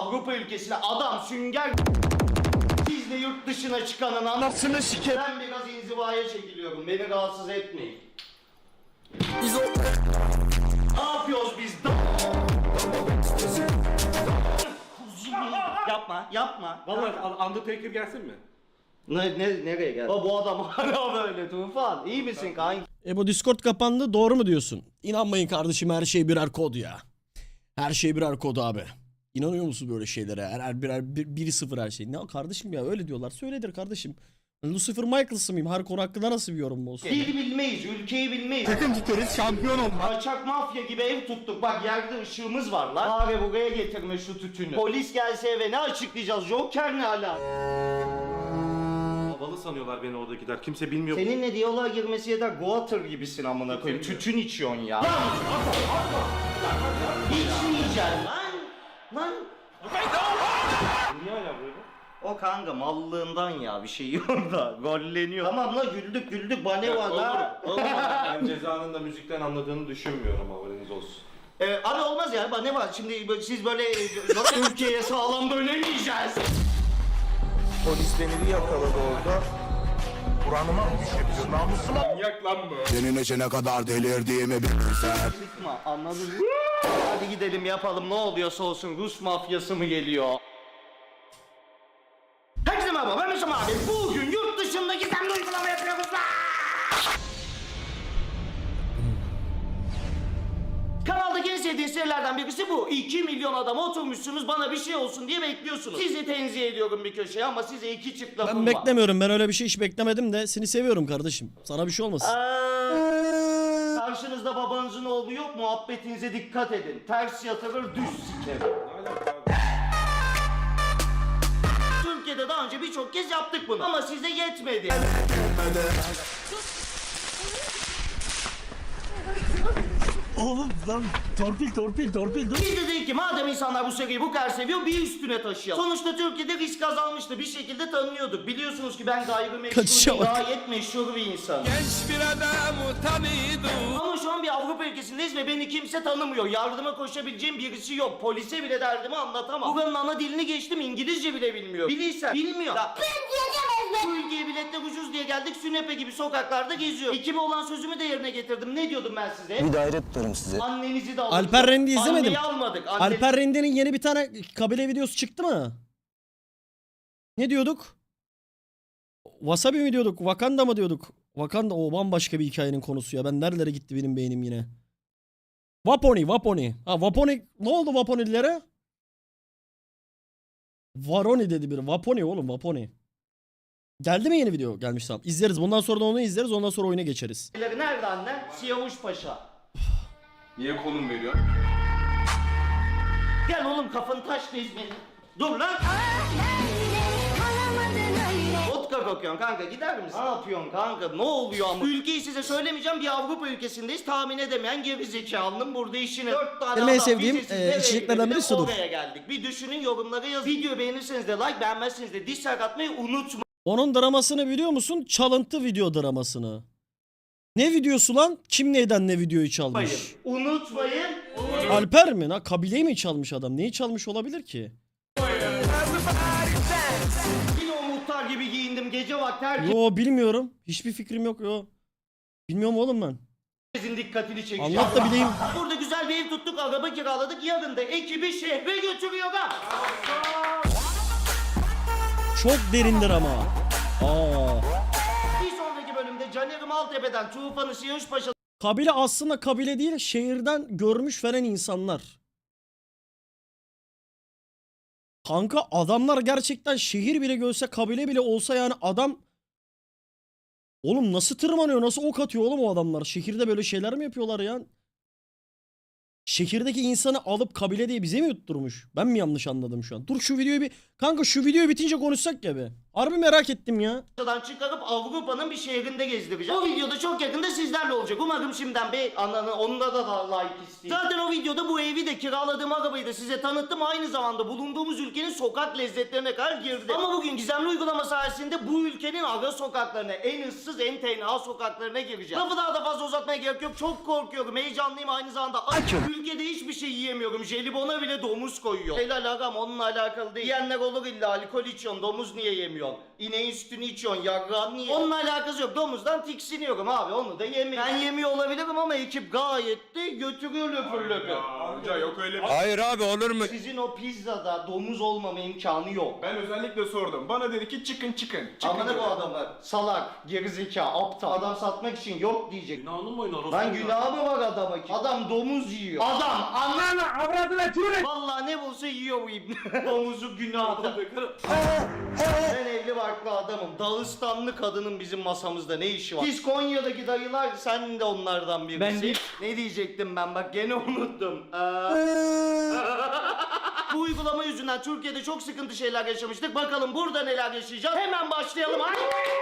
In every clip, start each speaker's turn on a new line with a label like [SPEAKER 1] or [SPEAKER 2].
[SPEAKER 1] Avrupa ülkesine adam sünger biz de yurt dışına çıkanın anasını sikerim. Ben biraz inzivaya çekiliyorum. Beni rahatsız etmeyin. Biz o... Ne yapıyoruz biz? Yapma.
[SPEAKER 2] Vallahi Undertaker gelsin mi?
[SPEAKER 1] Nereye geldi? Bu adam hala böyle Tufan. İyi misin kanka?
[SPEAKER 3] Bu Discord kapandı, doğru mu diyorsun? İnanmayın kardeşim, her şey birer kod ya. Her şey birer kod abi. İnanıyor musun böyle şeylere? Her birer 1-0 her şey. Ne kardeşim ya, öyle diyorlar. Söyledir kardeşim. Lucifer Michaels'ı mıyım? Her konu hakkında nasıl bir yorum olsun?
[SPEAKER 1] Dil bilmeyiz, ülkeyi bilmeyiz.
[SPEAKER 4] Takım tutarız, şampiyon olmak.
[SPEAKER 1] Kaçak mafya gibi ev tuttuk. Bak yerde ışığımız var lan. Bari buraya getirme şu tütünü. Polis gelse eve ne açıklayacağız? Joker ne hala?
[SPEAKER 2] Havalı sanıyorlar beni oradakiler. Kimse bilmiyor.
[SPEAKER 1] Seninle diyaloğa girmesi yeter. Goater gibisin amına koyayım. Tütün içiyorsun ya. Lan! İçmeyeceksin lan!
[SPEAKER 2] Niye hala böyle?
[SPEAKER 1] O kanka mallığından ya bir şey yok da golleniyor. Tamam la güldük bane var la.
[SPEAKER 2] Ben cezanın da müzikten anladığını düşünmüyorum, haberiniz olsun.
[SPEAKER 1] Abi olmaz ya bane var. Şimdi siz böyle ülkeye sağlam dönemeyeceğiz.
[SPEAKER 4] Polis beni bir yakaladı orada. Buranıma mı düşebiliyor? Namusuma.
[SPEAKER 2] Manyak lan bu.
[SPEAKER 4] Senin için ne kadar delirdiğimi bilirsen.
[SPEAKER 1] Sıkma anladın mı? Hadi gidelim yapalım ne oluyorsa olsun. Rus mafyası mı geliyor? Herkese merhaba ben Mesut abi. Bugün yurt dışında gizemli uygulama yapıyoruz lan. Kanaldaki en sevdiğin serilerden birisi bu. 2 milyon adam oturmuşsunuz bana bir şey olsun diye bekliyorsunuz. Sizi tenzih ediyorum bir köşeye ama size iki çift lafım
[SPEAKER 3] Ben
[SPEAKER 1] var.
[SPEAKER 3] beklemiyorum. Ben öyle bir şey hiç beklemedim de seni seviyorum kardeşim. Sana bir şey olmasın.
[SPEAKER 1] Karşınızda babanızın oğlu yok, muhabbetinize dikkat edin. Ters yatırır, düz sikerim. Türkiye'de daha önce birçok kez yaptık bunu ama size yetmedi.
[SPEAKER 3] Oğlum lan torpil dur.
[SPEAKER 1] Biz de dedik ki madem insanlar bu seriyi bu kadar seviyor bir üstüne taşıyalım. Sonuçta Türkiye'de risk azalmıştı, bir şekilde tanınıyorduk. Biliyorsunuz ki ben gayrimeşgul
[SPEAKER 3] Kaçışa bak.
[SPEAKER 1] gayet meşhur bir insanım.
[SPEAKER 4] Genç bir adamı tanıyordum.
[SPEAKER 1] Ama şu an bir Avrupa ülkesindeyiz ve beni kimse tanımıyor. Yardıma koşabileceğim birisi yok. Polise bile derdimi anlatamam. Buranın ana dilini geçtim, İngilizce bile bilmiyor. Bilirsen bilmiyor. Bu ülkeye biletler ucuz diye geldik, sünepe gibi sokaklarda geziyor. Ekime olan sözümü de yerine getirdim. Ne diyordum ben size?
[SPEAKER 4] Bir daire tutarım size.
[SPEAKER 1] Annenizi de aldık.
[SPEAKER 3] Alper Rendi izlemedim.
[SPEAKER 1] Anneyi almadık.
[SPEAKER 3] Alper Rendi'nin yeni bir tane kabile videosu çıktı mı? Ne diyorduk? Wasabi mi diyorduk? Wakanda mı diyorduk? Wakanda o bambaşka bir hikayenin konusu ya. Ben nerelere gitti benim beynim yine. Waponi. Ha Waponi. Ne oldu Waponilere? Varoni dedi biri. Waponi oğlum Waponi. Geldi mi yeni video? Gelmiş tamam. İzleriz. Bundan sonra da onu izleriz. Ondan sonra oyuna geçeriz.
[SPEAKER 1] Nerede anne? Siyavuş Paşa.
[SPEAKER 2] Niye konum veriyor?
[SPEAKER 1] Gel oğlum kafanı taşla İzmir'in. Dur lan. Vodka kokuyorsun kanka gider misin? Ne yapıyorsun kanka ne oluyor ama? Ülkeyi size söylemeyeceğim bir Avrupa ülkesindeyiz tahmin edemeyen gerizekalının burada işini. 4 tane
[SPEAKER 3] Benim en
[SPEAKER 1] adam
[SPEAKER 3] sevdiğim,
[SPEAKER 1] vizesiz nereye
[SPEAKER 3] içeceklerden biri
[SPEAKER 1] gidelim?
[SPEAKER 3] sudur.
[SPEAKER 1] Oraya geldik. Bir düşünün yorumlara yazın. Videoyu beğenirseniz de like beğenmezseniz de dislike atmayı unutmayın.
[SPEAKER 3] Onun dramasını biliyor musun? Çalıntı video dramasını. Ne videosu lan? Kim neyden ne videoyu çalmış?
[SPEAKER 1] Unutmayın.
[SPEAKER 3] Alper mi? Ha, kabileyi mi çalmış adam? Neyi çalmış olabilir ki?
[SPEAKER 1] Yine o muhtar gibi giyindim gece vakti herkesin
[SPEAKER 3] Yo bilmiyorum. Hiçbir fikrim yok yo. Bilmiyorum oğlum ben.
[SPEAKER 1] dikkatini çekeceğim.
[SPEAKER 3] Anlat da bileyim.
[SPEAKER 1] Burada güzel bir ev tuttuk, araba kiraladık. Yarın da ekibi şehre götürüyor ha.
[SPEAKER 3] Çok derindir ama. Aa.
[SPEAKER 1] Bir sonraki bölümde Caner'i Maltepe'den Tufan'ı Siyavuş
[SPEAKER 3] Kabile aslında kabile değil, şehirden görmüş falan insanlar. Kanka adamlar gerçekten şehir bile görse, kabile bile olsa yani adam... Oğlum nasıl tırmanıyor, nasıl ok atıyor oğlum o adamlar? Şehirde böyle şeyler mi yapıyorlar ya? Şehirdeki insanı alıp kabile diye bize mi yutturmuş? Ben mi yanlış anladım şu an? Dur şu videoyu bir... Kanka şu videoyu bitince konuşsak ya be. Harbi merak ettim ya.
[SPEAKER 1] Buradan çıkarıp Avrupa'nın bir şehrinde gezdireceğim. O videoda çok yakında sizlerle olacak. Umarım şimdiden bir onda da like isteyeyim. Zaten o videoda bu evi de kiraladığım arabayı da size tanıttım. Aynı zamanda bulunduğumuz ülkenin sokak lezzetlerine kadar girdi. Ama bugün gizemli uygulama sayesinde bu ülkenin ara sokaklarına, en ıssız, en tenha sokaklarına gireceğim. Lafı daha da fazla uzatmaya gerek yok. Çok korkuyorum, heyecanlıyım, aynı zamanda açım. Ülkede hiçbir şey yiyemiyorum. Jelibona bile domuz koyuyor. Helal agam, onunla alakalı değil. Yiyenler olur illa, alkol içiyorsun, domuz niye yemiyorsun? İneğin sütünü içiyorsun, yarrağın niye? Onunla alakası yok. Domuzdan tiksiniyorum abi, onu da yemiyorum. Ben yemiyor olabilirim ama ekip gayet de götürüyor löpür löpür.
[SPEAKER 2] Amca yok öyle bir...
[SPEAKER 4] Hayır abi olur mu?
[SPEAKER 1] Sizin o pizzada domuz olmama imkanı yok.
[SPEAKER 2] Ben özellikle sordum. Bana dedi ki çıkın.
[SPEAKER 1] Amına bu adamı salak, gerizekalı, aptal. Adam satmak için yok diyecek.
[SPEAKER 2] Günahını mı oynar?
[SPEAKER 1] Lan günahı mı var adama ki? Adam domuz yiyor. Adam ananı avradına tüyür. Vallahi ne bulsa yiyor bu ibne. Domuzu günahı. Ben evli barklı adamım. Dağıstanlı kadının bizim masamızda ne işi var? Siz Konya'daki dayılar, sen de onlardan birisin. Ben değil. Ne diyecektim ben, bak gene unuttum. Bu uygulama yüzünden Türkiye'de çok sıkıntı şeyler yaşamıştık. Bakalım burada neler yaşayacağız. Hemen başlayalım. Hadi.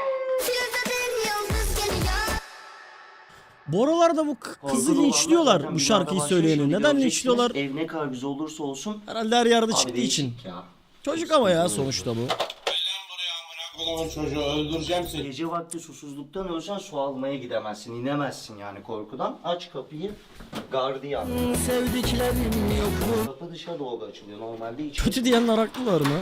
[SPEAKER 3] Bu aralarda bu kızı linçliyorlar bu şarkıyı söyleyeni. Neden linçliyorlar?
[SPEAKER 1] Ev ne kadar güzel olursa olsun.
[SPEAKER 3] Herhalde her yerde
[SPEAKER 1] Abi
[SPEAKER 3] çıktığı için.
[SPEAKER 1] değişik ya.
[SPEAKER 3] Çocuk ama ya sonuçta bu.
[SPEAKER 2] Çocuğu öldüreceğim seni.
[SPEAKER 1] Gece vakti susuzluktan ölsen su almaya gidemezsin, inemezsin yani korkudan. Aç kapıyı, gardiyan. Sevdiklerim yok mu? Kapı dışa doğru açılıyor, normalde içeri.
[SPEAKER 3] Kötü diyenler haklılar mı?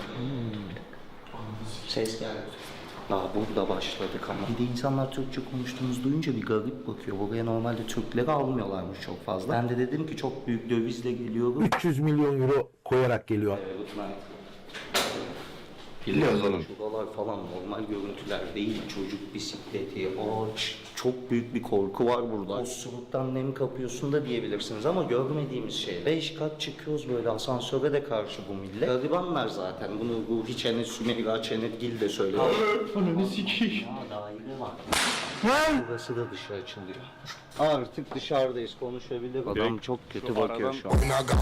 [SPEAKER 1] Ses geldi. Daha burada başladık ama. Bir de insanlar Türkçe konuştuğumuzu duyunca bir garip bakıyor. Buraya normalde Türkleri almıyorlarmış çok fazla. Ben de dedim ki çok büyük dövizle geliyorum.
[SPEAKER 5] 300 milyon euro koyarak geliyor.
[SPEAKER 1] Biliyoruz oğlum. Şuralar falan normal görüntüler değil. Çocuk bisikleti, ağaç. Çok büyük bir korku var burada. Osuruktan nem kapıyorsun da diyebilirsiniz ama görmediğimiz şey. 5 kat çıkıyoruz böyle asansöre de karşı bu millet. Garibanlar zaten. Bunu Ruhi Çenet, Sümeyra Çenetgil de söylüyor. Ananı sikeyim. daire var. Burası da dışarı açılıyor. Artık dışarıdayız, konuşabilir. Adam çok kötü bakıyor şu an.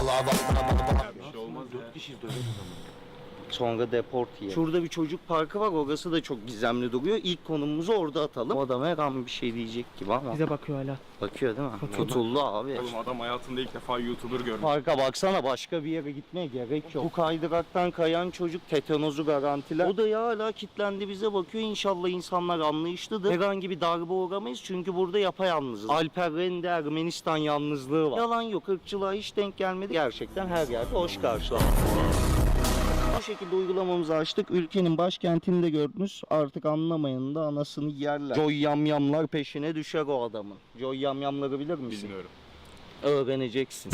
[SPEAKER 1] Sonra deport yiyelim. Şurada bir çocuk parkı var, orası da çok gizemli duruyor. İlk konumumuzu orada atalım. O adam her an bir şey diyecek gibi ama.
[SPEAKER 6] Bize bakıyor hala.
[SPEAKER 1] Bakıyor değil mi? Tutuldu abi.
[SPEAKER 2] Oğlum adam hayatında ilk defa YouTuber görmüş.
[SPEAKER 1] Parka baksana, başka bir yere gitmeye gerek yok. Bu kaydıraktan kayan çocuk tetanozu garantiler. O da ya hala kilitlendi bize bakıyor. İnşallah insanlar anlayışlıdır. Herhangi bir darbe uğramayız çünkü burada yapayalnızız. Alper Rende Ermenistan yalnızlığı var. Yalan yok, ırkçılığa hiç denk gelmedi. Gerçekten her yerde hoş karşılandı. Bu şekilde uygulamamızı açtık. Ülkenin başkentini de gördünüz. Artık anlamayanın da anasını yerler. Joy yamyamlar peşine düşer o adamın. Joy yamyamları bilir misin?
[SPEAKER 2] Bilmiyorum.
[SPEAKER 1] Öğreneceksin.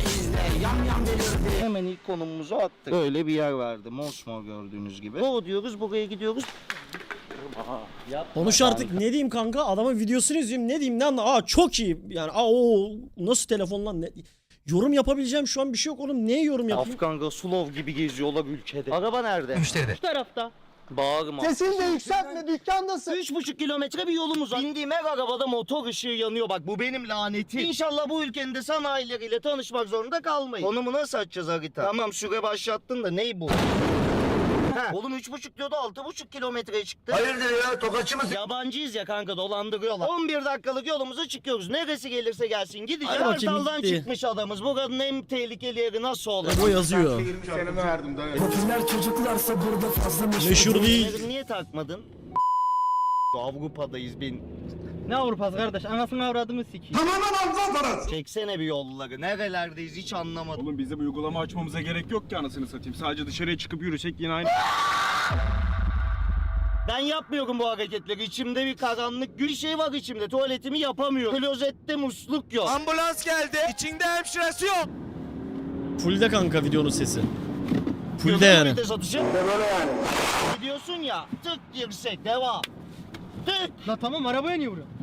[SPEAKER 1] Hemen ilk konumumuzu attık. Böyle bir yer verdi. Mosmor gördüğünüz gibi. O diyoruz, buraya gidiyoruz.
[SPEAKER 3] Konuş artık, ne diyeyim kanka, adamın videosunu izleyeyim, ne diyeyim, ne anla. Aa çok iyi yani, o nasıl telefon lan, ne? Yorum yapabileceğim şu an bir şey yok oğlum, neye yorum yapayım?
[SPEAKER 1] Afgan Rasulov gibi geziyorlar ülkede. Araba nerede?
[SPEAKER 5] Müşteride.
[SPEAKER 6] Şu tarafta.
[SPEAKER 1] Bağırma.
[SPEAKER 6] Sesini de yükseltme, dükkandasın.
[SPEAKER 1] 3,5 kilometre bir yolumuz var. Bindiğim her arabada motor ışığı yanıyor. Bak bu benim lanetim. İnşallah bu ülkenin de sanayileriyle tanışmak zorunda kalmayız. Konumu nasıl açacağız harita? Tamam süre başlattın da ney bu? Oğlum 3,5 diyordu, 6,5 kilometreye çıktı.
[SPEAKER 5] Hayırdır ya, tokatçı mısın?
[SPEAKER 1] Yabancıyız ya kanka, dolandırıyorlar. 11 dakikalık yolumuza çıkıyoruz. Neresi gelirse gelsin gideceğiz.
[SPEAKER 3] Hadi bakayım,
[SPEAKER 1] Kartal'dan
[SPEAKER 3] gitti.
[SPEAKER 1] çıkmış adamız. Buranın en tehlikeli yeri nasıl olur?
[SPEAKER 3] O yazıyor.
[SPEAKER 2] 20 senemi verdim dayı.
[SPEAKER 3] Meşhur değil.
[SPEAKER 1] Bunları niye takmadın? Avrupa'dayız bin.
[SPEAKER 6] Ne Avrupa'sı kardeş? Anasını avradını sikeyim.
[SPEAKER 1] Çeksene bir yolları. Nerelerdeyiz hiç anlamadım.
[SPEAKER 7] Oğlum bize bu uygulama açmamıza gerek yok ki anasını satayım. Sadece dışarıya çıkıp yürüsek yine aynı.
[SPEAKER 1] Ben yapmıyorum bu hareketleri. İçimde bir karanlık bir şey var içimde. Tuvaletimi yapamıyorum. Klozette musluk yok.
[SPEAKER 4] Ambulans geldi. İçinde hemşiresi yok.
[SPEAKER 3] Fullde kanka videonun sesi. Fullde
[SPEAKER 1] Gözüm
[SPEAKER 3] yani.
[SPEAKER 1] vites atışı. Böyle yani. Gidiyorsun ya. Tık girsek devam. Tık.
[SPEAKER 6] La tamam, arabaya niye vuruyorsun?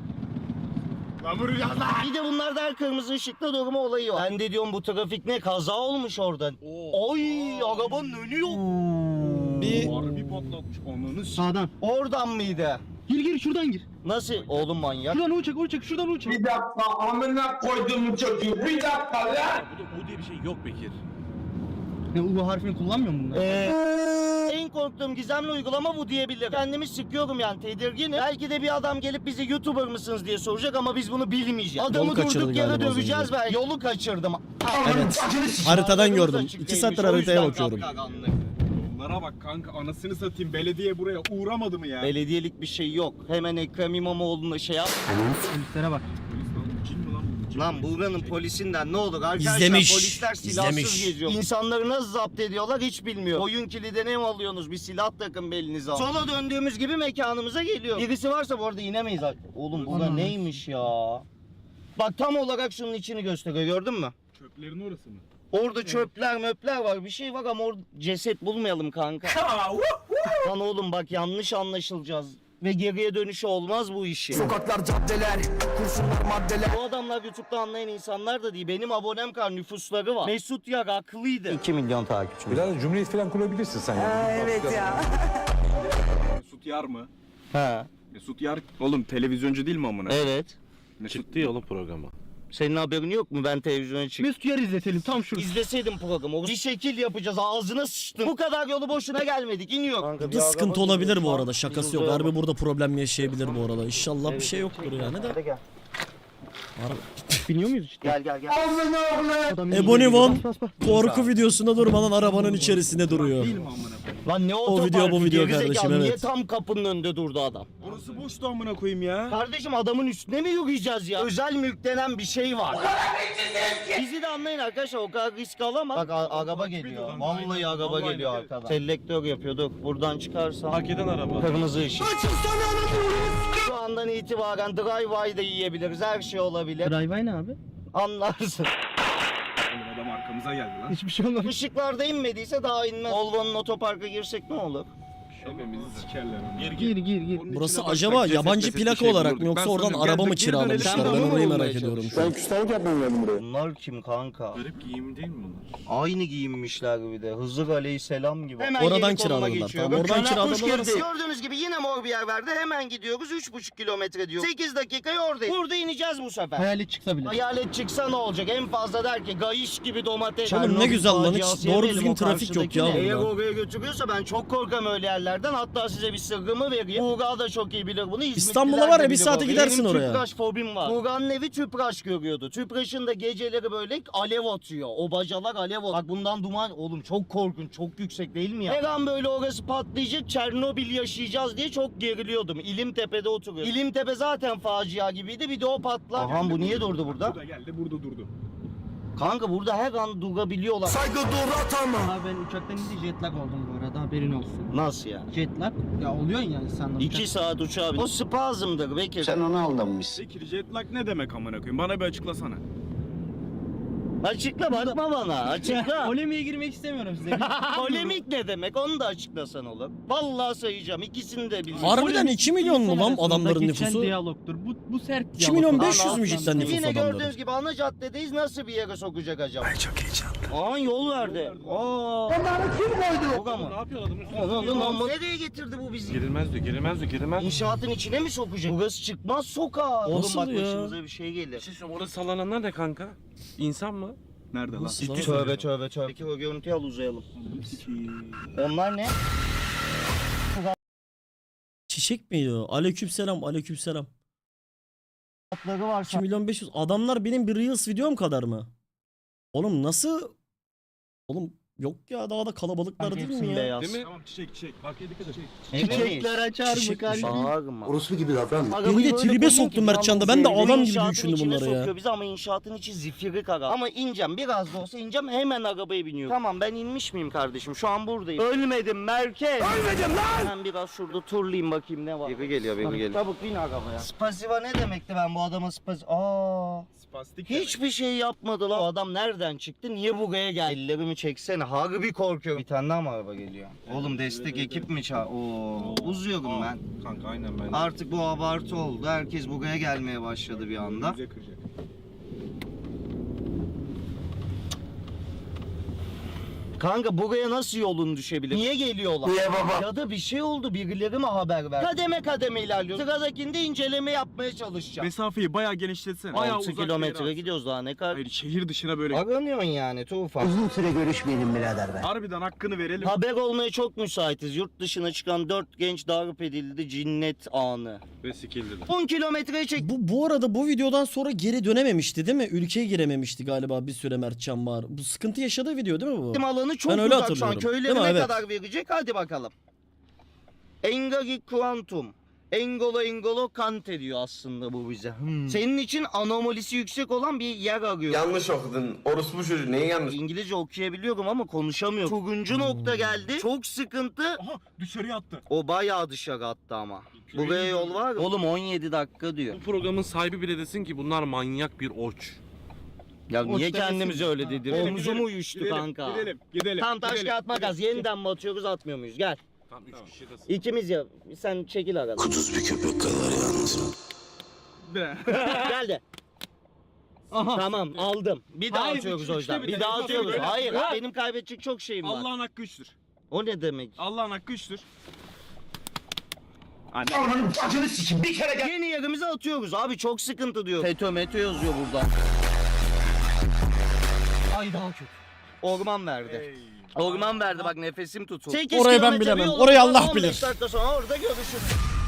[SPEAKER 1] Bir de bunlarda her kırmızı ışıkta durma olayı var. Ben de diyorum bu trafik ne, kaza olmuş orada. Oy arabanın önü yok.
[SPEAKER 3] Bir
[SPEAKER 7] Harbi patlatmış ananı
[SPEAKER 6] Sağdan.
[SPEAKER 1] Oradan mıydı?
[SPEAKER 6] Gir şuradan gir.
[SPEAKER 1] Nasıl? Oğlum manyak.
[SPEAKER 6] Şuradan uçak şuradan uçak.
[SPEAKER 5] Bir dakika, amına koydum çocuğu. Bir dakika lan.
[SPEAKER 7] U diye bir şey yok Bekir.
[SPEAKER 6] Ne U harfini kullanmıyor musun bunlar?
[SPEAKER 1] En en korktuğum gizemli uygulama bu diyebilirim. Kendimi sıkıyorum yani, tedirginim. Belki de bir adam gelip bize YouTuber mısınız diye soracak ama biz bunu bilmeyeceğiz. Adamı
[SPEAKER 3] Yolu kaçırdı
[SPEAKER 1] durduk yere
[SPEAKER 3] galiba az
[SPEAKER 1] döveceğiz
[SPEAKER 3] önce.
[SPEAKER 1] ben. Yolu kaçırdım.
[SPEAKER 3] Evet. Haritadan gördüm. 2 saattir haritaya bakıyorum.
[SPEAKER 7] Yollara bak kanka, anasını satayım, belediye buraya uğramadı mı ya?
[SPEAKER 1] Belediyelik bir şey yok. Hemen Ekrem İmamoğlu'na şey yap.
[SPEAKER 6] Polislere bak.
[SPEAKER 7] Polis lan, cin mi lan bu? Cin
[SPEAKER 1] Lan
[SPEAKER 7] mi?
[SPEAKER 1] buranın polisinden ne olur arkadaşlar,
[SPEAKER 3] İzlemiş,
[SPEAKER 1] polisler silahsız
[SPEAKER 3] izlemiş.
[SPEAKER 1] geziyor. İnsanları nasıl zapt ediyorlar hiç bilmiyor. Oyun kilidine mi alıyorsunuz, bir silah takın belinize. Sola döndüğümüz gibi mekanımıza geliyor. Birisi varsa bu arada inemeyiz artık. Oğlum burada
[SPEAKER 6] Anam.
[SPEAKER 1] neymiş ya? Bak tam olarak şunun içini gösteriyor, gördün mü?
[SPEAKER 7] Çöplerin orası mı?
[SPEAKER 1] Orada çöpler möpler var, bir şey var ama orada ceset bulmayalım kanka. Lan oğlum bak, yanlış anlaşılacağız. Ve geriye dönüşü olmaz bu işi.
[SPEAKER 4] Sokaklar, caddeler, kurşunlar, maddeler.
[SPEAKER 1] Bu adamlar YouTube'da anlayan insanlar da değil. Benim abonem kadar nüfusları var. Mesut Yar haklıydı. 2 milyon takipçi.
[SPEAKER 8] Biraz cumhuriyet falan kurabilirsin sen ya.
[SPEAKER 7] Mesut Yar mı?
[SPEAKER 1] Ha,
[SPEAKER 7] Mesut Yar oğlum televizyoncu değil mi amına?
[SPEAKER 1] evet.
[SPEAKER 7] Mesut
[SPEAKER 2] Çıktı ya oğlum programa.
[SPEAKER 1] Senin haberin yok mu? Ben televizyona çıktım.
[SPEAKER 6] Mesut Yer izletelim tam şurada.
[SPEAKER 1] İzleseydim programı. Bir şekil yapacağız. Ağzına sıçtım. Bu kadar yolu boşuna gelmedik. İniyor.
[SPEAKER 3] Bir sıkıntı olabilir bu arada, şakası yok. Harbi burada problem yaşayabilir bu arada. İnşallah bir şey yoktur yani de.
[SPEAKER 1] Hadi gel.
[SPEAKER 6] Biniyor muyuz işte?
[SPEAKER 1] Gel gel gel.
[SPEAKER 6] Adam
[SPEAKER 3] Ebony
[SPEAKER 6] geliyor.
[SPEAKER 3] Von
[SPEAKER 6] Bas, bas, bas.
[SPEAKER 3] korku videosunda durmadan arabanın içerisinde duruyor.
[SPEAKER 7] değil mi amına koyayım?
[SPEAKER 1] Lan ne
[SPEAKER 3] O video, bu video
[SPEAKER 1] Gerizekalı,
[SPEAKER 3] kardeşim,
[SPEAKER 1] Niye
[SPEAKER 3] evet.
[SPEAKER 1] tam kapının önünde durdu adam?
[SPEAKER 7] Orası boştu amına koyayım ya.
[SPEAKER 1] Kardeşim adamın üstüne mi yürüyeceğiz ya? Özel mülk denen bir şey var. Bizi de anlayın arkadaşlar, o kadar risk alamaz. Bak araba geliyor. Vallahi araba geliyor arkadan. Selektör yapıyorduk. Buradan çıkarsan.
[SPEAKER 2] Hak eden araba.
[SPEAKER 1] Kırmızı ışık. Şu andan itibaren drive-by da yiyebiliriz. Her şey olabilir.
[SPEAKER 6] Drive ne abi?
[SPEAKER 1] Anlarsın.
[SPEAKER 7] Oğlum adam arkamıza geldi lan.
[SPEAKER 6] Hiçbir şey olmamış.
[SPEAKER 1] Işıklarda inmediyse daha inmez. Volvo'nun otoparka girsek ne olur?
[SPEAKER 7] Hepimizi sikerler onu.
[SPEAKER 6] Gir.
[SPEAKER 3] Burası
[SPEAKER 7] içine
[SPEAKER 3] acaba
[SPEAKER 7] baksak
[SPEAKER 3] yabancı
[SPEAKER 7] ceset meset bir
[SPEAKER 3] plaka
[SPEAKER 7] şey
[SPEAKER 3] olarak mı
[SPEAKER 7] bulurduk.
[SPEAKER 3] yoksa
[SPEAKER 7] Ben
[SPEAKER 3] oradan
[SPEAKER 7] söylüyorum,
[SPEAKER 3] araba mı
[SPEAKER 7] geldik, geri dönelim.
[SPEAKER 3] kiralamışlar?
[SPEAKER 1] Sen
[SPEAKER 3] Ben
[SPEAKER 1] de onu
[SPEAKER 3] orayı
[SPEAKER 1] bulmaya
[SPEAKER 3] merak ediyorum şu an.
[SPEAKER 8] Ben küstahlık yapmaya geldim buraya.
[SPEAKER 1] Bunlar kim kanka?
[SPEAKER 2] Garip giyim değil mi bunlar?
[SPEAKER 1] Aynı giyinmişler bir de. Hızır Aleyhisselam gibi. Hemen
[SPEAKER 3] Oradan
[SPEAKER 1] yeni konuma
[SPEAKER 3] kiraladılar,
[SPEAKER 1] geçiyorum.
[SPEAKER 3] tamam, oradan
[SPEAKER 1] Kana kuş
[SPEAKER 3] kiraladılar.
[SPEAKER 1] girdi. Gördüğünüz gibi yine mor bir yer verdi. Hemen gidiyoruz. 3,5 kilometre diyor. 8 dakikaya oradayız. Burada ineceğiz bu sefer.
[SPEAKER 6] Hayalet çıksa bile.
[SPEAKER 1] Hayalet çıksa ne olacak? En fazla der ki gayiş gibi domates.
[SPEAKER 3] Oğlum ne
[SPEAKER 1] Çernobil
[SPEAKER 3] güzel lan, hiç
[SPEAKER 1] faciası
[SPEAKER 3] doğru
[SPEAKER 1] yemeyelim
[SPEAKER 3] düzgün
[SPEAKER 1] o
[SPEAKER 3] trafik yok ya
[SPEAKER 1] karşıdakine. Eğer
[SPEAKER 3] burada.
[SPEAKER 1] oraya götürüyorsa ben çok korkarım öyle yerlerden. Hatta size bir sırrımı vereyim. Buğra da çok iyi bilir bunu.
[SPEAKER 3] İstanbul'a
[SPEAKER 1] İzmitliler
[SPEAKER 3] var
[SPEAKER 1] de
[SPEAKER 3] ya, bir
[SPEAKER 1] bilir
[SPEAKER 3] saate
[SPEAKER 1] orayı.
[SPEAKER 3] gidersin
[SPEAKER 1] Benim
[SPEAKER 3] oraya.
[SPEAKER 1] tüpraş fobim var. Buğra'nın evi tüpraş görüyordu. Tüpraşın da geceleri böyle alev atıyor. O bacalar alev atıyor. Bak bundan duman. Oğlum çok korkunç. Çok yüksek değil mi ya? Her an böyle orası patlayacak. Çernobil yaşayacağız diye çok geriliyordum. İlimtepe'de oturuyorum. İlimtepe zaten facia gibiydi. Bir de o patlar. Aha bu niye durdu burada?
[SPEAKER 7] Burada geldi, burada durdu.
[SPEAKER 1] Kanka burada her an durabiliyorlar.
[SPEAKER 4] Saygı durat ama.
[SPEAKER 6] Abi ben uçaktan indi jet lag oldum bu arada, haberin olsun.
[SPEAKER 1] Nasıl ya?
[SPEAKER 6] Jet lag ya oluyor ya insanlar.
[SPEAKER 1] 2 saat uçağa bin. O spazmdır Bekir.
[SPEAKER 8] ona aldanmışsın.
[SPEAKER 7] Peki jet lag ne demek amına koyayım? Bana bir açıklasana.
[SPEAKER 1] Açıkla, bakma bana. Açıkla.
[SPEAKER 6] Polemiğe girmek istemiyorum size.
[SPEAKER 1] Polemik ne demek? Onu da açıklasan olur. Vallahi sayacağım. İkisini de bileceğim.
[SPEAKER 3] Harbiden 2 milyon mu lan adamların
[SPEAKER 6] Geçen
[SPEAKER 3] nüfusu?
[SPEAKER 6] diyalogtur. Bu sert
[SPEAKER 3] 2 milyon
[SPEAKER 6] diyalog.
[SPEAKER 3] 500 mü cidden nüfus
[SPEAKER 1] Yine
[SPEAKER 3] adamların?
[SPEAKER 1] gördüğünüz gibi ana caddedeyiz. Nasıl bir yere sokacak acaba? Ay çok heyecanlı. Aa yol verdi. Aa. Onları kim koydu? Yok ama.
[SPEAKER 2] Ne yapıyor adamın üstüne?
[SPEAKER 1] Oğlum nereye getirdi bu bizi?
[SPEAKER 2] Girilmez diyor, girilmez diyor, girilmez.
[SPEAKER 1] İnşaatın içine mi sokacak? Burası çıkmaz sokağa. Oğlum
[SPEAKER 3] Nasıl
[SPEAKER 1] bak
[SPEAKER 3] ya?
[SPEAKER 1] başımıza bir şey gelir.
[SPEAKER 2] Bir şey söyleyeyim, orada sallananlar ne kanka? İnsan mı?
[SPEAKER 7] Nerede lan?
[SPEAKER 3] Nasıl lan?
[SPEAKER 1] Tövbe tövbe tövbe. Peki o görüntüyü al uzayalım. Onlar ne?
[SPEAKER 3] Çiçek miydi o? Aleykümselam, aleykümselam.
[SPEAKER 1] Atları var.
[SPEAKER 3] 2 milyon 500. Adamlar benim bir Reels videom kadar mı? Oğlum nasıl? Oğlum yok ya, daha da kalabalıklar değil mi ya?
[SPEAKER 1] Beyaz.
[SPEAKER 2] Değil mi?
[SPEAKER 7] Tamam çiçek. Bak yedik de çiçek.
[SPEAKER 6] Çiçekler açar mı
[SPEAKER 3] Çiçek-
[SPEAKER 6] kardeşim?
[SPEAKER 1] Bağırma.
[SPEAKER 8] Orospu gibi davranma.
[SPEAKER 1] Arabayı
[SPEAKER 3] Beni de
[SPEAKER 1] böyle
[SPEAKER 3] tribe
[SPEAKER 1] koyuyor
[SPEAKER 3] soktum
[SPEAKER 1] ki
[SPEAKER 3] Mertcan'da.
[SPEAKER 1] tam
[SPEAKER 3] Ben de
[SPEAKER 1] zevkli.
[SPEAKER 3] adam gibi
[SPEAKER 1] İnşaatın
[SPEAKER 3] düşündüm
[SPEAKER 1] içine
[SPEAKER 3] bunları ya.
[SPEAKER 1] sokuyor bizi ama inşaatın içi zifiri kara. Ama ineceğim, biraz da olsa ineceğim, hemen arabaya biniyorum. Tamam ben inmiş miyim kardeşim? Şu an buradayım. Ölmedim merkez. Ölmedim lan. Ben biraz şurada turlayayım bakayım ne var. Biri geliyor, biri geliyor. Çabuk bin arabaya. Spasiva ne demekti, ben bu adama
[SPEAKER 7] Spastik.
[SPEAKER 1] Hiçbir şey yapmadı lan. O adam nereden çıktı? Niye buraya geldi? Ellerimi çeksene. Harbi korkuyorum. Bir tane daha mı araba geliyor? Oğlum destek ekip mi çağır? Oo, uzuyorum ben.
[SPEAKER 2] Kanka aynen ben.
[SPEAKER 1] Artık bu abartı oldu. Herkes buraya gelmeye başladı bir anda.
[SPEAKER 7] Bize kıracak.
[SPEAKER 1] Kanka buraya nasıl yolun düşebilir? Niye geliyorlar? Niye baba? Ya da bir şey oldu, birileri mi haber ver? Kademe kademe ilerliyor. Sıradakinde inceleme yapmaya çalışacağım.
[SPEAKER 7] Mesafeyi bayağı genişletsene. Bayağı
[SPEAKER 1] 6
[SPEAKER 7] uzak bir yere
[SPEAKER 1] kilometre
[SPEAKER 7] at.
[SPEAKER 1] gidiyoruz daha ne kadar?
[SPEAKER 7] Hayır şehir dışına böyle.
[SPEAKER 1] Aranıyorsun yani Tufan.
[SPEAKER 7] Harbiden hakkını verelim.
[SPEAKER 1] Haber olmaya çok müsaitiz. Yurt dışına çıkan 4 genç darp edildi, cinnet anı.
[SPEAKER 7] Ve sikildi.
[SPEAKER 1] 10 kilometreye çek.
[SPEAKER 3] Bu arada bu videodan sonra geri dönememişti değil mi? Ülkeye girememişti galiba bir süre Mertcan Bahar. Bu sıkıntı yaşadığı video değil mi bu?
[SPEAKER 1] Alanı çok
[SPEAKER 3] Ben öyle
[SPEAKER 1] uzak şu an.
[SPEAKER 3] hatırlıyorum.
[SPEAKER 1] Köyleri
[SPEAKER 3] Değil mi?
[SPEAKER 1] ne
[SPEAKER 3] Evet.
[SPEAKER 1] kadar verecek? Hadi bakalım. Engagi Quantum. Engolo Kante diyor aslında bu bize. Senin için anomalisi yüksek olan bir yer arıyor.
[SPEAKER 5] Yanlış okudun. Orospu çocuğu neyi yanlış?
[SPEAKER 1] İngilizce okuyabiliyorum ama konuşamıyorum. Turuncu nokta geldi. Çok sıkıntı.
[SPEAKER 7] Aha dışarıya attı.
[SPEAKER 1] O bayağı dışarı attı ama. Buraya yol var. Oğlum 17 dakika diyor.
[SPEAKER 2] Bu programın sahibi bile desin ki bunlar manyak bir oç.
[SPEAKER 1] Ya
[SPEAKER 6] Hoş
[SPEAKER 1] niye
[SPEAKER 6] demesin.
[SPEAKER 1] kendimize öyle dedi?
[SPEAKER 7] Gidelim,
[SPEAKER 1] Omzum
[SPEAKER 7] gidelim,
[SPEAKER 1] uyuştu
[SPEAKER 7] gidelim,
[SPEAKER 1] kanka.
[SPEAKER 7] Gidelim.
[SPEAKER 1] Tam taş
[SPEAKER 7] gidelim.
[SPEAKER 1] kağıt makas. Yeniden mi atıyoruz atmıyor muyuz? Gel.
[SPEAKER 2] Tam 3 kişi de
[SPEAKER 1] İkimiz ya. Sen çekil aradan.
[SPEAKER 7] De.
[SPEAKER 1] Gel de.
[SPEAKER 6] Aha.
[SPEAKER 1] Tamam aldım. Bir daha
[SPEAKER 7] Hayır,
[SPEAKER 1] atıyoruz
[SPEAKER 7] üçte
[SPEAKER 1] o yüzden.
[SPEAKER 7] bir
[SPEAKER 1] Bir
[SPEAKER 7] de.
[SPEAKER 1] daha
[SPEAKER 7] Üçte
[SPEAKER 1] atıyoruz.
[SPEAKER 7] bir.
[SPEAKER 1] Hayır
[SPEAKER 7] Ha.
[SPEAKER 1] benim kaybedecek çok şeyim var.
[SPEAKER 7] Allah'ın hakkı üçtür.
[SPEAKER 1] O ne demek?
[SPEAKER 7] Allah'ın hakkı üçtür.
[SPEAKER 1] Yeni yerimize atıyoruz abi çok sıkıntı diyor. FETÖ METÖ yazıyor burada.
[SPEAKER 6] Ay daha kötü.
[SPEAKER 1] Orman verdi. Orman verdi bak nefesim tutuldu. 8
[SPEAKER 3] Orayı ben
[SPEAKER 1] kilometre bir
[SPEAKER 3] bilemem.
[SPEAKER 1] yolumuz
[SPEAKER 3] Orayı
[SPEAKER 1] var,
[SPEAKER 3] Allah
[SPEAKER 1] 15
[SPEAKER 3] bilir.
[SPEAKER 1] dakika sonra orada görüşürüz.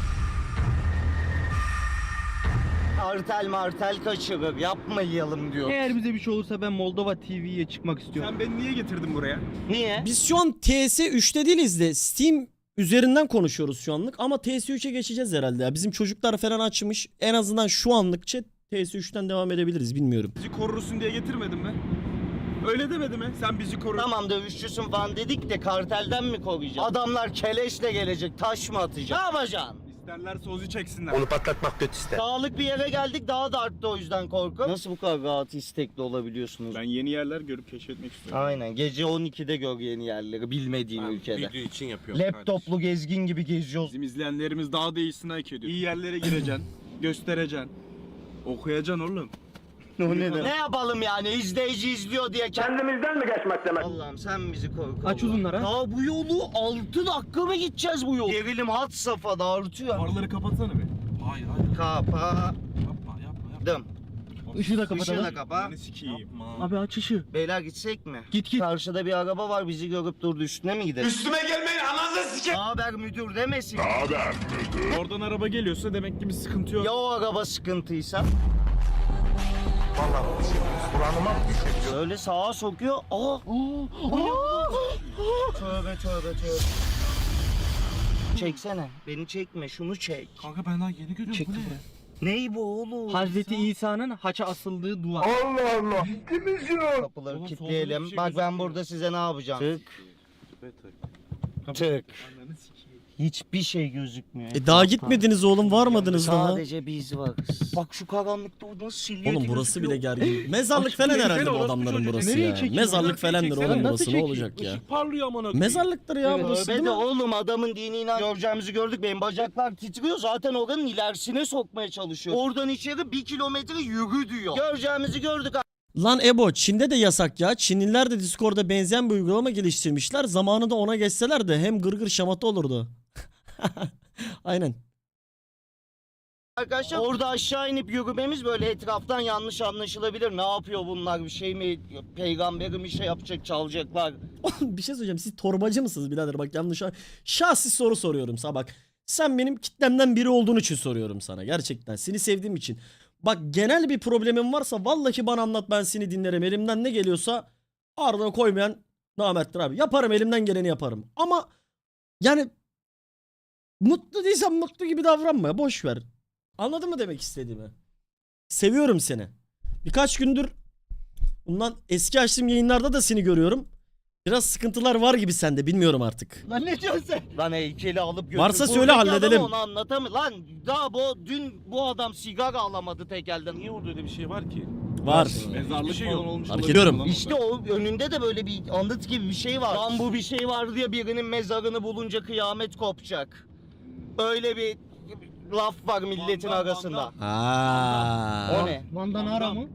[SPEAKER 1] Artel martel kaçırır yapmayalım diyor.
[SPEAKER 6] Eğer bize bir şey olursa ben Moldova TV'ye çıkmak istiyorum.
[SPEAKER 7] Sen beni niye getirdin buraya?
[SPEAKER 1] Niye?
[SPEAKER 3] Biz şu an TS3'te değiliz de Steam üzerinden konuşuyoruz şu anlık ama TS3'e geçeceğiz herhalde ya. Bizim çocuklar falan açmış. En azından şu anlıkça TS3'ten devam edebiliriz bilmiyorum.
[SPEAKER 7] Bizi korursun diye getirmedin mi? Öyle demedi mi? Sen bizi koru.
[SPEAKER 1] Tamam dövüşçüsün falan dedik de kartelden mi koruyacağız? Adamlar keleşle gelecek taş mı atacak? Ne yapacaksın?
[SPEAKER 7] İsterlerse ozu çeksinler.
[SPEAKER 4] Onu patlatmak kötü ister.
[SPEAKER 1] Dağlık bir yere geldik daha da arttı o yüzden korku. Nasıl bu kadar rahat istekli olabiliyorsunuz?
[SPEAKER 7] Ben yeni yerler görüp keşfetmek istiyorum.
[SPEAKER 1] Aynen gece 12'de gör yeni yerleri bilmediğin ülkede.
[SPEAKER 2] video için yapıyorum
[SPEAKER 1] Laptoplu gezgin gibi geziyoruz.
[SPEAKER 7] Bizim izleyenlerimiz daha da iyisini hak ediyor. İyi yerlere gireceksin, göstereceksin. Okuyacaksın oğlum.
[SPEAKER 1] Ne yapalım yani izleyici izliyor diye kendimizden mi geçmek demek? Allah'ım sen bizi koru.
[SPEAKER 6] Aç uzunlara.
[SPEAKER 1] Ya bu yolu 6 dakika mı gideceğiz bu yol? Gerilim had safhada artıyor.
[SPEAKER 7] Farları kapatsana bir.
[SPEAKER 2] Hayır hayır
[SPEAKER 1] Kapadım.
[SPEAKER 2] yapma.
[SPEAKER 6] Işığı da
[SPEAKER 1] Işığı
[SPEAKER 6] kapatalım.
[SPEAKER 1] da kapa.
[SPEAKER 7] Ne sikiyim.
[SPEAKER 2] Yapma.
[SPEAKER 6] Abi aç ışığı.
[SPEAKER 1] Beyler gitsek mi?
[SPEAKER 6] Git.
[SPEAKER 1] Karşıda bir araba var bizi görüp durdu üstüne mi gidelim?
[SPEAKER 5] Üstüme gelmeyin ananızı sikeyim.
[SPEAKER 1] Haber müdür demesin.
[SPEAKER 7] Oradan araba geliyorsa demek ki bir sıkıntı yok.
[SPEAKER 1] Ya o araba sıkıntıysa?
[SPEAKER 4] Vallahi bir şey buranıma bir şey.
[SPEAKER 1] Öyle sağa sokuyor. Aa. Tövbe. Çeksene. Beni çekme şunu çek.
[SPEAKER 2] Kanka ben daha yeni görüyorum
[SPEAKER 6] Çek
[SPEAKER 2] bu ne?
[SPEAKER 6] buraya.
[SPEAKER 1] Ney bu oğlum?
[SPEAKER 6] Hazreti İsa'nın haça asıldığı duvar.
[SPEAKER 4] Allah Allah. Ciddi misin o?
[SPEAKER 1] Kapıları
[SPEAKER 7] Oğlum,
[SPEAKER 1] kilitleyelim.
[SPEAKER 7] solda bir şey
[SPEAKER 1] Bak ben
[SPEAKER 7] gözükmüyor.
[SPEAKER 1] burada size ne yapacağım? Tık.
[SPEAKER 2] Evet,
[SPEAKER 1] Tık.
[SPEAKER 7] Ananı sikeyim.
[SPEAKER 1] Hiçbir şey gözükmüyor.
[SPEAKER 3] Daha gitmediniz oğlum varmadınız daha.
[SPEAKER 1] Sadece biz varız. Bak şu karanlıkta o nasıl silüeti
[SPEAKER 3] Oğlum burası bile
[SPEAKER 1] gözüküyor.
[SPEAKER 3] gergin. Mezarlık
[SPEAKER 7] Aç
[SPEAKER 3] falan
[SPEAKER 7] burayı,
[SPEAKER 3] herhalde
[SPEAKER 7] gel
[SPEAKER 3] bu
[SPEAKER 7] orası
[SPEAKER 3] adamların
[SPEAKER 7] çocuğu.
[SPEAKER 3] burası
[SPEAKER 6] Nereye
[SPEAKER 3] ya.
[SPEAKER 6] çekiyor?
[SPEAKER 3] Mezarlık
[SPEAKER 7] Nereye
[SPEAKER 3] falandır
[SPEAKER 7] çeksene?
[SPEAKER 3] oğlum
[SPEAKER 6] Nasıl
[SPEAKER 3] burası ne
[SPEAKER 6] çekiyor?
[SPEAKER 3] olacak ya.
[SPEAKER 2] Işık parlıyor amına koyayım.
[SPEAKER 3] Mezarlıktır ya burası değil
[SPEAKER 1] Tövbe de
[SPEAKER 3] mi?
[SPEAKER 1] oğlum adamın dini inan göreceğimizi gördük. Benim bacaklar titriyor. Zaten oranın ilerisine sokmaya çalışıyor. Oradan içeri 1 kilometre yürü diyor. Göreceğimizi gördük.
[SPEAKER 3] Lan Ebo Çin'de de yasak ya. Çinliler de Discord'da benzeyen bir uygulama geliştirmişler. Zamanında ona geçseler de hem gırgır şamata olurdu. Aynen.
[SPEAKER 1] Arkadaşlar orada aşağı inip yürümemiz böyle etraftan yanlış anlaşılabilir. Ne yapıyor bunlar bir şey mi? Peygamberim bir şey yapacak çalacaklar.
[SPEAKER 3] Bir şey söyleyeceğim. Siz torbacı mısınız birader? Bak yanlış. Şahsi soru soruyorum sana bak. Sen benim kitlemden biri olduğun için soruyorum sana. Gerçekten. Seni sevdiğim için. Bak genel bir problemin varsa vallahi bana anlat ben seni dinlerim. Elimden ne geliyorsa ardına koymayan namerttir abi. Yaparım elimden geleni yaparım. Ama yani mutlu değilsen mutlu gibi davranma. Boş ver. Anladın mı demek istediğimi? Seviyorum seni. Birkaç gündür bundan eski açtığım yayınlarda da seni görüyorum. Biraz sıkıntılar var gibi sende bilmiyorum artık.
[SPEAKER 1] Lan ne diyorsun sen? Lan heykeli alıp götür.
[SPEAKER 3] Varsa söyle,
[SPEAKER 1] Buradaki
[SPEAKER 3] halledelim.
[SPEAKER 1] adam Onu anlatamıyor. Lan daha dün bu adam sigara alamadı tek elden.
[SPEAKER 2] Niye orada öyle bir şey var ki?
[SPEAKER 3] Var.
[SPEAKER 7] Mezarlık
[SPEAKER 2] şey
[SPEAKER 7] falan
[SPEAKER 2] yok.
[SPEAKER 7] olmuş
[SPEAKER 3] Fark
[SPEAKER 7] olabilir
[SPEAKER 3] ediyorum.
[SPEAKER 7] lan
[SPEAKER 1] İşte
[SPEAKER 7] orada.
[SPEAKER 1] o önünde de böyle bir anıt gibi bir şey var. Lan bu bir şey var diye birinin mezarını bulunca kıyamet kopacak. Öyle bir laf var milletin
[SPEAKER 7] Van'dan,
[SPEAKER 1] arasında.
[SPEAKER 3] Aa.
[SPEAKER 1] O ne?
[SPEAKER 6] Van'dan ara mı?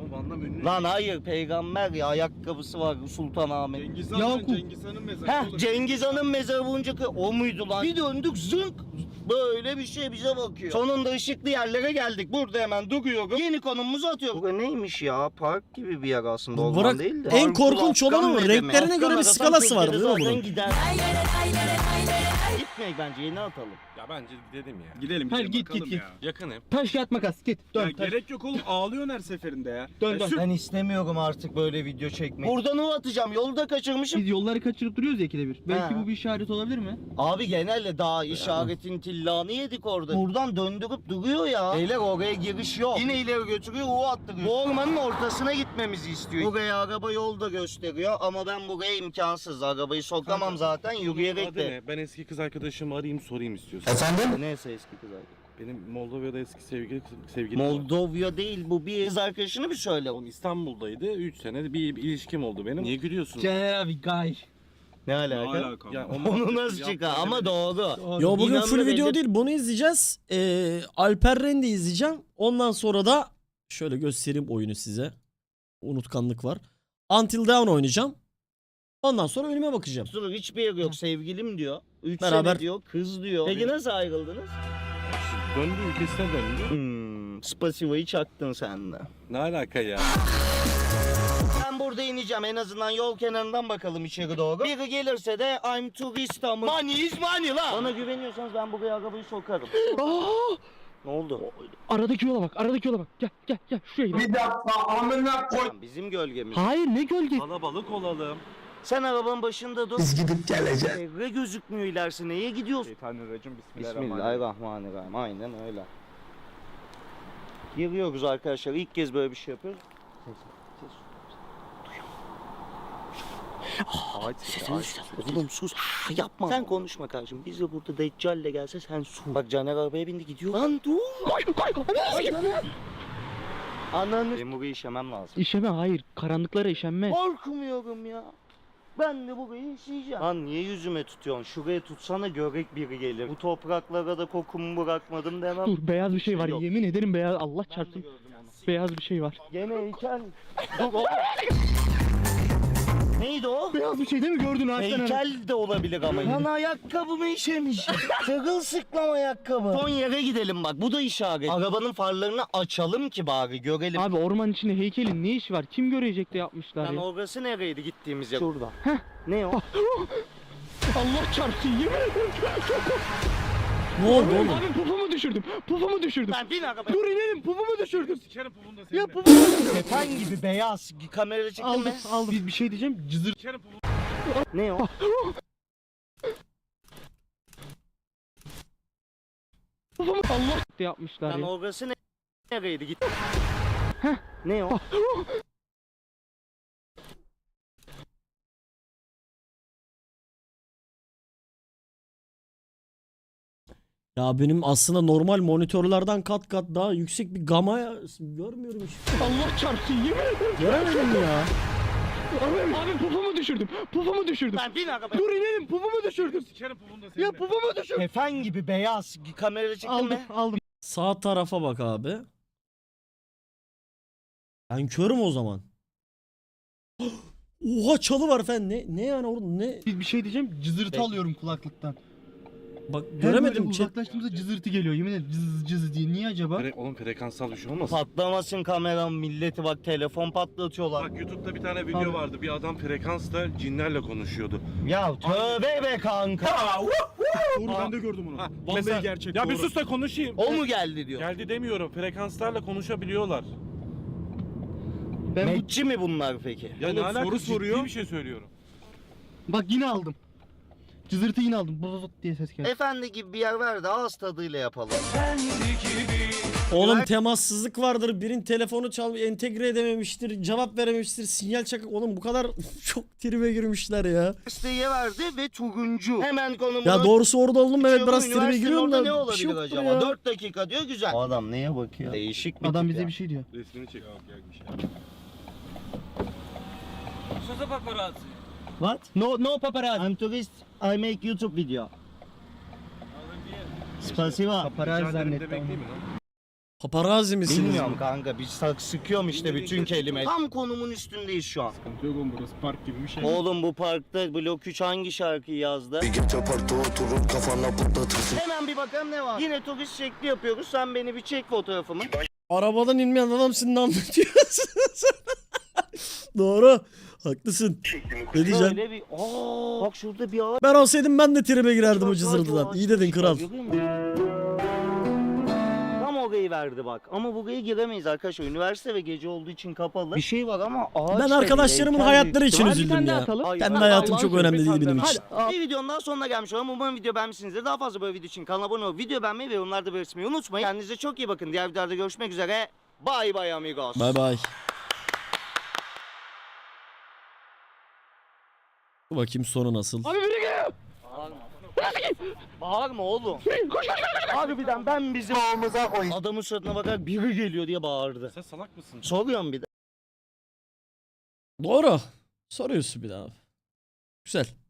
[SPEAKER 2] Ama Van Damme ünlü.
[SPEAKER 1] Lan hayır peygamber ya ayakkabısı var Sultanahmet.
[SPEAKER 7] Cengiz
[SPEAKER 6] Yakup.
[SPEAKER 7] Han, Cengiz Han'ın mezarı.
[SPEAKER 1] Heh
[SPEAKER 7] oğlum.
[SPEAKER 1] Cengiz Han'ın mezarı bulunca o muydu lan? Bir döndük zınk. Böyle bir şey bize bakıyor. Sonunda ışıklı yerlere geldik. Burada hemen duruyorum. Yeni konumumuzu atıyorum. Bu neymiş ya? Park gibi bir yer aslında. Orman
[SPEAKER 3] Bırak,
[SPEAKER 1] değil de.
[SPEAKER 3] en
[SPEAKER 1] Parkur
[SPEAKER 3] korkunç
[SPEAKER 1] Afgan
[SPEAKER 3] olan o.
[SPEAKER 1] ne
[SPEAKER 3] Renklerine
[SPEAKER 1] demek?
[SPEAKER 3] göre bir
[SPEAKER 1] Afgan
[SPEAKER 3] skalası
[SPEAKER 1] arasam
[SPEAKER 3] var, değil mi
[SPEAKER 1] Türkiye'de
[SPEAKER 3] bunun?
[SPEAKER 1] zaten gider. Gitmeyek bence yeni atalım.
[SPEAKER 2] Ya bence gidelim ya.
[SPEAKER 7] Gidelim.
[SPEAKER 6] Hayır,
[SPEAKER 7] gidelim,
[SPEAKER 6] git,
[SPEAKER 7] bakalım
[SPEAKER 6] git,
[SPEAKER 7] ya.
[SPEAKER 2] Yakın hep.
[SPEAKER 6] Taş kağıt makas git.
[SPEAKER 7] Ya
[SPEAKER 6] Dön. taş-
[SPEAKER 7] gerek yok oğlum. Ağlıyorsun her seferinde ya.
[SPEAKER 6] Dön dön.
[SPEAKER 1] Ben istemiyorum artık böyle video çekmeyi. Buradan o atacağım. Yolda kaçırmışım.
[SPEAKER 6] Biz yolları kaçırıp duruyoruz ya ikide bir. Belki
[SPEAKER 1] Ha.
[SPEAKER 6] bu bir işaret olabilir mi?
[SPEAKER 1] Abi genelde daha işaretin tillanı yedik orada. Buradan döndürüp duruyor ya. Beyler oraya giriş yok. Yine ileri götürüyor, U attırıyor. Bu ormanın ortasına gitmemizi istiyor. Buraya araba yolda gösteriyor ama ben buraya imkansız. Arabayı sokamam zaten yürüyerek
[SPEAKER 2] Adı
[SPEAKER 1] de.
[SPEAKER 2] ne? Ben eski kız arkadaşımı arayayım sorayım istiyorsan.
[SPEAKER 1] Neyse eski kız arkadaş.
[SPEAKER 2] Benim Moldova'da eski sevgilim var.
[SPEAKER 1] Moldova değil bu bir kız arkadaşını bir söyle.
[SPEAKER 2] Oğlum İstanbul'daydı. 3 sene bir ilişkim oldu benim. Niye gülüyorsun?
[SPEAKER 6] Abi guy.
[SPEAKER 1] Ne
[SPEAKER 7] Ne
[SPEAKER 1] alaka?
[SPEAKER 7] alaka?
[SPEAKER 2] Ya
[SPEAKER 1] Onu nasıl çıkar ama doğru.
[SPEAKER 3] Yo bugün
[SPEAKER 1] İnandı
[SPEAKER 3] full video
[SPEAKER 1] belli-
[SPEAKER 3] değil. Bunu izleyeceğiz. Alper Rendi izleyeceğim. Ondan sonra da şöyle göstereyim oyunu size. Unutkanlık var. Until Dawn oynayacağım. Ondan sonra önüme bakacağım.
[SPEAKER 1] Dur hiçbir yer yok sevgilim diyor. 3
[SPEAKER 3] Beraber-
[SPEAKER 1] sene diyor kız diyor. Peki nasıl ayrıldınız?
[SPEAKER 2] Döndü ülkesine döndü.
[SPEAKER 1] Spasiva'yı çaktın sen de.
[SPEAKER 2] Ne alaka ya?
[SPEAKER 1] Ben burada ineceğim en azından yol kenarından bakalım içeri doğru. Biri gelirse de I'm tourist ama. Money is money lan. Bana güveniyorsanız ben buraya arabayı sokarım. Ne oldu?
[SPEAKER 6] Aradaki yola bak. Aradaki yola bak. Gel gel gel. Şuraya git.
[SPEAKER 5] Bir dakika amına koy.
[SPEAKER 1] Bizim gölgemiz.
[SPEAKER 6] Hayır ne gölge.
[SPEAKER 2] Kalabalık olalım.
[SPEAKER 1] Sen arabanın başında dur. Biz gidip geleceğiz. Evre gözükmüyor ilerisi. Neye gidiyorsun?
[SPEAKER 7] Şeytanirracim, bismillahirrahmanirrahim.
[SPEAKER 1] Bismillahirrahmanirrahim. Aynen öyle. Giriyoruz arkadaşlar. İlk kez böyle bir şey yapıyoruz. Oğlum sus. Yapma. Sen konuşma kardeşim. Biz de burada Deccal'le gelse sen sus. Bak Caner arabaya bindi gidiyor. Lan dur. Ananı. Benim burayı işemem lazım.
[SPEAKER 6] İşeme hayır. Karanlıklara işenme.
[SPEAKER 1] Korkmuyorum ya. Ben de burayı işeyeceğim. Lan niye yüzüme tutuyorsun? Şuraya tutsana görek biri gelir. Bu topraklara da kokumu bırakmadım demem.
[SPEAKER 6] Dur beyaz bir şey var.
[SPEAKER 1] Yok.
[SPEAKER 6] Yemin ederim beyaz. Allah
[SPEAKER 1] Ben de
[SPEAKER 6] çarpsın.
[SPEAKER 1] gördüm onu.
[SPEAKER 6] Beyaz bir şey var.
[SPEAKER 1] Gene heykel. Dur oğlum. Neydi o?
[SPEAKER 6] Beyaz bir şey değil mi gördün ağaçtan?
[SPEAKER 1] Heykel de olabilir ama. Lan ayakkabımı işemiş. Sırılsıklam ayakkabı. Son yere gidelim bak bu da işaret. Arabanın farlarını açalım ki bari görelim.
[SPEAKER 6] Abi orman içinde heykelin ne işi var? Kim görecek de yapmışlar
[SPEAKER 1] Lan
[SPEAKER 6] ya.
[SPEAKER 1] orası nereydi gittiğimiz yer? Şurada.
[SPEAKER 6] Heh.
[SPEAKER 1] Ne o?
[SPEAKER 6] Allah çarpsın yemin ederim.
[SPEAKER 3] Ne oldu oğlum?
[SPEAKER 6] Abi pufumu düşürdüm. Pufumu düşürdüm.
[SPEAKER 1] Lan bin arabaya.
[SPEAKER 6] Dur inelim pufumu düşürdüm.
[SPEAKER 7] Sikerim pulunu da seninle.
[SPEAKER 6] Ya pufumu
[SPEAKER 1] Kefen gibi beyaz. Kamerada çektin
[SPEAKER 6] aldım
[SPEAKER 1] mi?
[SPEAKER 6] aldım. Bir şey diyeceğim. Cızır.
[SPEAKER 7] Sikerim pulunu.
[SPEAKER 1] Ne o?
[SPEAKER 6] Pufumu Allah de yapmışlar
[SPEAKER 1] Lan
[SPEAKER 6] ya.
[SPEAKER 1] orası nereydi git. Ne o?
[SPEAKER 3] Ya benim aslında normal monitörlerden kat kat daha yüksek bir gama görmüyorum hiç.
[SPEAKER 6] Allah çarpsın yemin ederim.
[SPEAKER 3] Göremedim ya.
[SPEAKER 6] Abi pufumu düşürdüm. Pufumu düşürdüm.
[SPEAKER 1] Lan bin arabaya.
[SPEAKER 6] Dur inelim pufumu düşürdüm.
[SPEAKER 7] Sikerim pulunu da seninle.
[SPEAKER 6] Ya pufumu düşürdüm.
[SPEAKER 1] Kefen gibi beyaz. Kamerada çektin
[SPEAKER 6] Aldım
[SPEAKER 1] mi?
[SPEAKER 6] aldım.
[SPEAKER 3] Sağ tarafa bak abi. Ben körüm o zaman. Oha çalı var efendim. Ne yani orada ne?
[SPEAKER 6] Bir şey diyeceğim. Cızırtı
[SPEAKER 1] Peki.
[SPEAKER 6] alıyorum kulaklıktan.
[SPEAKER 3] Bak
[SPEAKER 6] Her
[SPEAKER 3] göremedim.
[SPEAKER 6] böyle uzaklaştığımızda cızırtı geliyor. Yemin ederim cız cız diye. Niye acaba?
[SPEAKER 2] Oğlum frekansal bir şey olmasın?
[SPEAKER 1] Patlamasın kameram milleti bak telefon patlatıyorlar.
[SPEAKER 2] Bak YouTube'da bir tane video
[SPEAKER 6] Abi.
[SPEAKER 2] vardı. Bir adam frekansla cinlerle konuşuyordu.
[SPEAKER 1] Ya tövbe be kanka.
[SPEAKER 7] Doğru ben de gördüm onu.
[SPEAKER 2] Ha,
[SPEAKER 7] Vallahi
[SPEAKER 2] mesela-
[SPEAKER 7] gerçek
[SPEAKER 2] Ya
[SPEAKER 7] doğru.
[SPEAKER 2] bir sus da konuşayım.
[SPEAKER 1] O mu geldi diyor.
[SPEAKER 2] Geldi demiyorum. Frekanslarla konuşabiliyorlar.
[SPEAKER 6] Ben bu...
[SPEAKER 1] Metçi mi bunlar peki?
[SPEAKER 2] Ya
[SPEAKER 7] Oğlum
[SPEAKER 2] ne alaka?
[SPEAKER 7] soru
[SPEAKER 2] Ciddi
[SPEAKER 7] soruyor.
[SPEAKER 2] bir şey söylüyorum.
[SPEAKER 6] Bak yine aldım. Cızırtı yine aldım. Bozot diye ses geldi.
[SPEAKER 1] Efendi gibi bir yer ver de ağız tadıyla yapalım.
[SPEAKER 3] Oğlum temassızlık vardır. Birin telefonu entegre edememiştir. Cevap verememiştir. Sinyal çakık. Oğlum bu kadar çok tribe girmişler ya.
[SPEAKER 1] Üniversiteye verdi ve turuncu. Hemen konumunu...
[SPEAKER 3] Ya doğrusu orada oldum evet
[SPEAKER 1] Açıyorum,
[SPEAKER 3] biraz tribe
[SPEAKER 1] üniversitenin
[SPEAKER 3] giriyorum
[SPEAKER 1] orada
[SPEAKER 3] da.
[SPEAKER 1] ne
[SPEAKER 3] bir
[SPEAKER 1] olabilir
[SPEAKER 3] şey yoktur
[SPEAKER 1] acaba?
[SPEAKER 3] ya.
[SPEAKER 1] 4 dakika diyor güzel. O adam neye bakıyor? Değişik bir
[SPEAKER 6] Adam
[SPEAKER 1] tip
[SPEAKER 6] bize
[SPEAKER 1] ya.
[SPEAKER 6] bir şey diyor.
[SPEAKER 2] Resmini çek.
[SPEAKER 1] What?
[SPEAKER 6] No paparazzi.
[SPEAKER 1] I'm tourist. I make YouTube video. Spasiba.
[SPEAKER 6] Paparazzi
[SPEAKER 2] Rica ederim
[SPEAKER 6] zannetti
[SPEAKER 2] demek
[SPEAKER 6] onu.
[SPEAKER 2] değil mi lan?
[SPEAKER 3] Paparazzi misiniz?
[SPEAKER 1] Bilmiyorum kanka biz sıkıyorum işte bütün kelime. Tam konumun üstündeyiz şu an.
[SPEAKER 7] Sıkıntı yok oğlum, burası park gibi bir şey.
[SPEAKER 1] Oğlum bu parkta Blok 3 hangi şarkıyı yazdı?
[SPEAKER 4] Gece parkta oturur kafana patlatırsın.
[SPEAKER 1] Hemen bir bakalım ne var. Yine turist şekli yapıyoruz. Sen beni bir çek fotoğrafımı.
[SPEAKER 3] Arabadan inmeyen adam senin ne anlatıyorsun sen? Doğru. Haklısın. Ne diyeceğim?
[SPEAKER 1] Böyle bir bak şurada bir ağaç.
[SPEAKER 3] Ben olsaydım ben de tribe girerdim o
[SPEAKER 1] var,
[SPEAKER 3] cızırtıdan.
[SPEAKER 1] ağaç
[SPEAKER 3] İyi dedin
[SPEAKER 1] var,
[SPEAKER 3] kral.
[SPEAKER 1] görüyor musun? Tam orayı verdi bak. Ama buraya giremeyiz arkadaşlar. Üniversite ve gece olduğu için kapalı. Bir şey var ama ağaç
[SPEAKER 3] Ben
[SPEAKER 1] da
[SPEAKER 3] arkadaşlarımın
[SPEAKER 1] değil,
[SPEAKER 3] hayatları için
[SPEAKER 6] Hadi bir
[SPEAKER 3] üzüldüm
[SPEAKER 6] tane daha
[SPEAKER 3] ya.
[SPEAKER 6] atalım.
[SPEAKER 1] Ay,
[SPEAKER 3] Kendi
[SPEAKER 1] ben
[SPEAKER 3] hayatım
[SPEAKER 6] Allah'ın
[SPEAKER 3] çok önemli değil
[SPEAKER 6] sözü,
[SPEAKER 3] benim
[SPEAKER 6] hadi.
[SPEAKER 3] için.
[SPEAKER 1] Bir videonun daha sonuna gelmiş olalım. Umarım video beğenmişsinizdir. Daha fazla böyle video için kanala abone olup video beğenmeyi ve yorumlarda belirtmeyi unutmayın. Kendinize çok iyi bakın. Diğer videolarda görüşmek üzere. Bye bye amigos.
[SPEAKER 3] Bay bay. Dur bakayım sonu nasıl?
[SPEAKER 6] Abi biri geliyor.
[SPEAKER 1] Bağırma oğlum. Harbiden ben bizim ağımıza koy. Adamın suratına bakarak biri geliyor diye bağırdı.
[SPEAKER 2] Sen salak mısın?
[SPEAKER 1] Soruyorum bir de.
[SPEAKER 3] Doğru. Soruyorsun bir daha. Güzel.